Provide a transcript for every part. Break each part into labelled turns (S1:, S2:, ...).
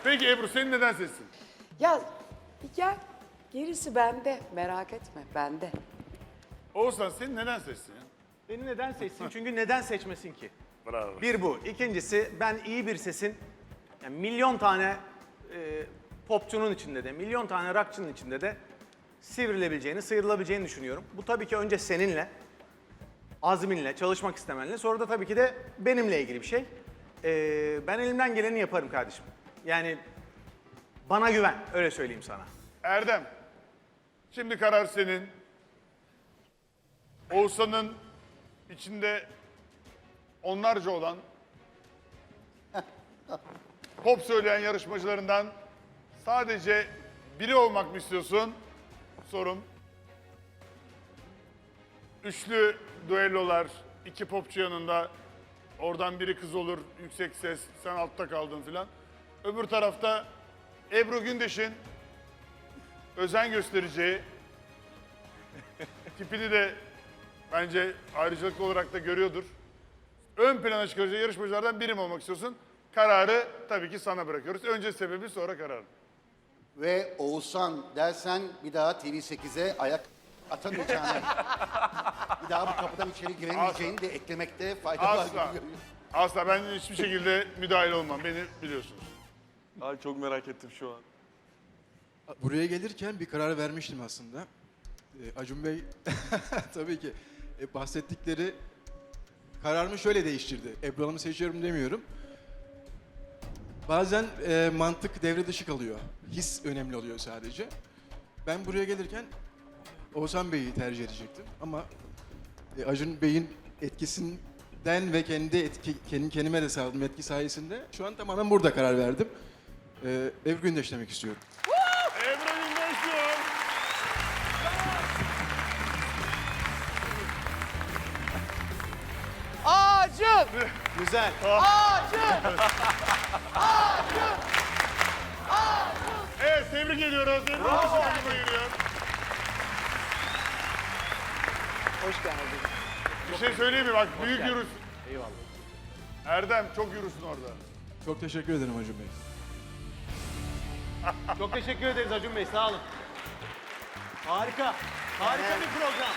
S1: Peki Ebru seni neden seçsin?
S2: Ya bir gel. Gerisi bende. Merak etme bende.
S1: Oğuzhan seni neden seçsin ya?
S3: Beni neden seçsin? Çünkü neden seçmesin ki?
S1: Bravo.
S3: Bir bu. İkincisi ben iyi bir sesin yani milyon tane popçunun içinde de, milyon tane rockçının içinde de sivrilebileceğini, sıyrılabileceğini düşünüyorum. Bu tabii ki önce seninle, azminle, çalışmak istemenle, sonra da tabii ki de benimle ilgili bir şey. Ben elimden geleni yaparım kardeşim. Yani bana güven, öyle söyleyeyim sana.
S1: Erdem, şimdi karar senin. Oğuzhan'ın içinde onlarca olan pop söyleyen yarışmacılarından sadece biri olmak mı istiyorsun? Sorum. Üçlü düellolar, iki popçu yanında. Oradan biri kız olur, yüksek ses, sen altta kaldın filan. Öbür tarafta Ebru Gündeş'in özen göstereceği, tipini de bence ayrıcalıklı olarak da görüyordur. Ön plana çıkaracağı yarışmacılardan biri mi olmak istiyorsun? Kararı tabii ki sana bırakıyoruz. Önce sebebi sonra kararı.
S4: Ve Oğuzhan dersen bir daha TV8'e ayak atamayacağını, bir daha bu kapıdan içeri giremeyeceğini de eklemekte fayda var gibi
S1: Asla.
S4: görüyorum.
S1: Asla ben hiçbir şekilde müdahale olmam. Beni biliyorsunuz.
S5: Ay çok merak ettim şu an.
S6: Buraya gelirken bir karar vermiştim aslında. Acun Bey tabii ki bahsettikleri kararımı şöyle değiştirdi. Ebru Hanım'ı seçiyorum demiyorum. Bazen mantık devre dışı kalıyor. His önemli oluyor sadece. Ben buraya gelirken Oğuzhan Bey'i tercih edecektim ama Acun Bey'in etkisinden ve kendime de sağladığım etki sayesinde şu an tamamen burada karar verdim. Ebru Gündeş demek istiyorum.
S1: Ebru Gündeş diyor.
S2: Acun!
S3: Güzel.
S2: Acun!
S1: Evet tebrik ediyoruz. Ebru Gündeş'e geliyor.
S2: Hoş geldin.
S1: Bir şey söyleyeyim mi? Bak büyük yürüsün. Eyvallah. Erdem çok yürüsün orada.
S6: Çok teşekkür ederim Acun Bey.
S3: Çok teşekkür ederiz Acun Bey, sağ olun. Harika. Harika bir program.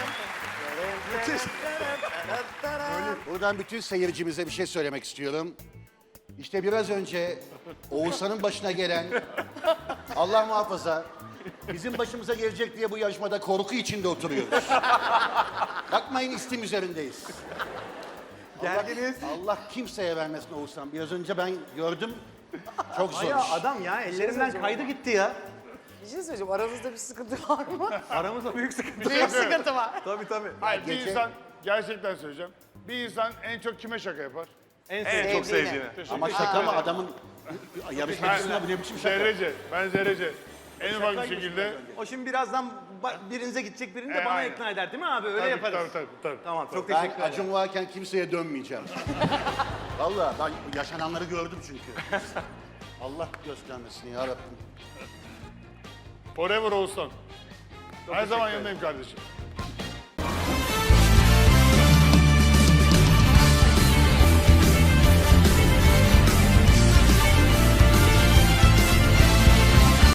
S4: Buradan bütün seyircimize bir şey söylemek istiyorum. İşte biraz önce Oğuzhan'ın başına gelen, Allah muhafaza, bizim başımıza gelecek diye bu yarışmada korku içinde oturuyoruz. Bakmayın istim üzerindeyiz.
S3: Geldiniz.
S4: Allah kimseye vermesin Oğuzhan. Biraz önce ben gördüm. Çok zor
S3: Ya
S4: iş.
S3: adam ya ellerinden kaydı gitti ya.
S2: Bir şey söyleyeceğim. Aranızda bir sıkıntı var mı?
S3: Aramızda büyük sıkıntı.
S2: Büyük sıkıntı var.
S3: Tabii tabii.
S1: Hayır bir
S4: Gece-
S1: insan, gerçekten söyleyeceğim. Bir insan en çok kime şaka yapar?
S3: En
S5: Çok sevdiğini.
S4: Ama şaka mı adamın yarışmacısına bu ne biçim şaka?
S1: Zerrece, ben Zerrece. En ufak bir şekilde.
S3: O şimdi birazdan birinize gidecek, birini de bana
S1: aynen.
S3: ikna eder değil mi abi? Öyle
S1: Tabii,
S3: yaparız.
S1: tabii.
S3: Tamam, çok
S4: Ben
S3: teşekkür ederim.
S4: Acun varken kimseye dönmeyeceğim. Vallahi ben yaşananları gördüm çünkü. Allah göstermesin ya Rabbim.
S1: Forever Oğuzhan. Her zaman yanındayım kardeşim.